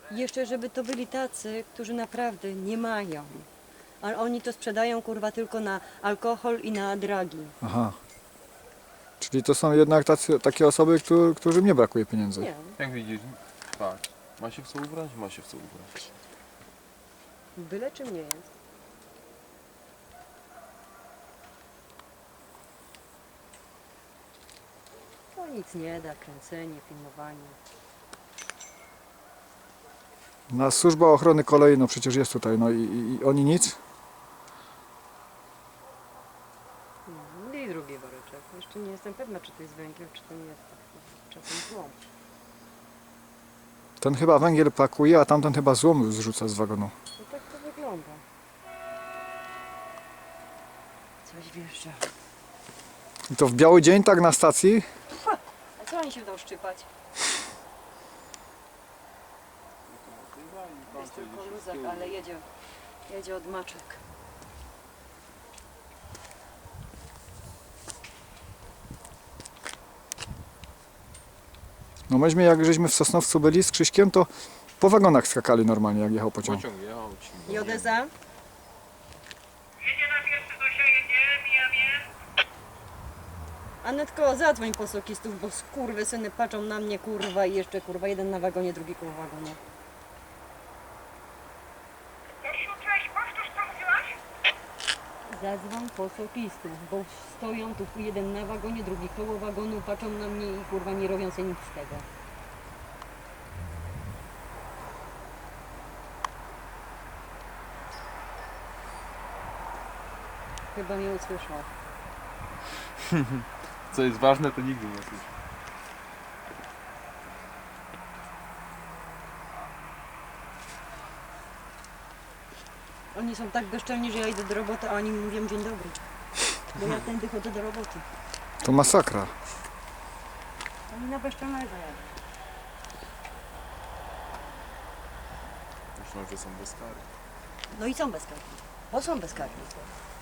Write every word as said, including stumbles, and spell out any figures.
Jeszcze żeby to byli tacy, którzy naprawdę nie mają. Ale oni to sprzedają kurwa tylko na alkohol i na dragi. Aha. Czyli to są jednak tacy, takie osoby, którzy, którym nie brakuje pieniędzy. Nie. Jak widzisz, patrz, ma się w co ubrać, ma się w co ubrać. Byle czym nie jest. To nic nie da, kręcenie, filmowanie. Na służba ochrony kolei, no przecież jest tutaj, no i, i, i oni nic? No i drugi woreczek. Jeszcze nie jestem pewna, czy to jest węgiel, czy to nie jest czasem złom. Ten chyba węgiel pakuje, a tamten chyba złom zrzuca z wagonu. No tak to wygląda. Coś wjeżdża. I to w biały dzień tak na stacji? A co oni się będą szczypać? Jest tylko luzak, ale jedzie, jedzie od maczek. No myśmy jak żeśmy w Sosnowcu byli z Krzyśkiem, to po wagonach skakali normalnie, jak jechał pociąg. Pociąg jechał ci. Jodeza? Jedzie na pierwszy Zosia, jedzie, mijamy. Anetko, zadzwoń po sokistów, bo skurwysyny patrzą na mnie, kurwa, i jeszcze, kurwa, jeden na wagonie, drugi koło wagonu. Jasiu, cześć, powtórz co mówiłaś? Zadzwoń po sokistów, bo stoją tu jeden na wagonie, drugi koło wagonu, patrzą na mnie i, kurwa, nie robią sobie nic z tego. Chyba mnie usłyszał. Co jest ważne, to nigdy nie słyszę. Oni są tak bezczelni, że ja idę do roboty, a oni mi mówią dzień dobry. Bo ja tędy chodzę do roboty. To masakra. Oni na bezczelnego jadą. Myślą, że są bez kary. No i są bezkarni. Bo są bezkarni.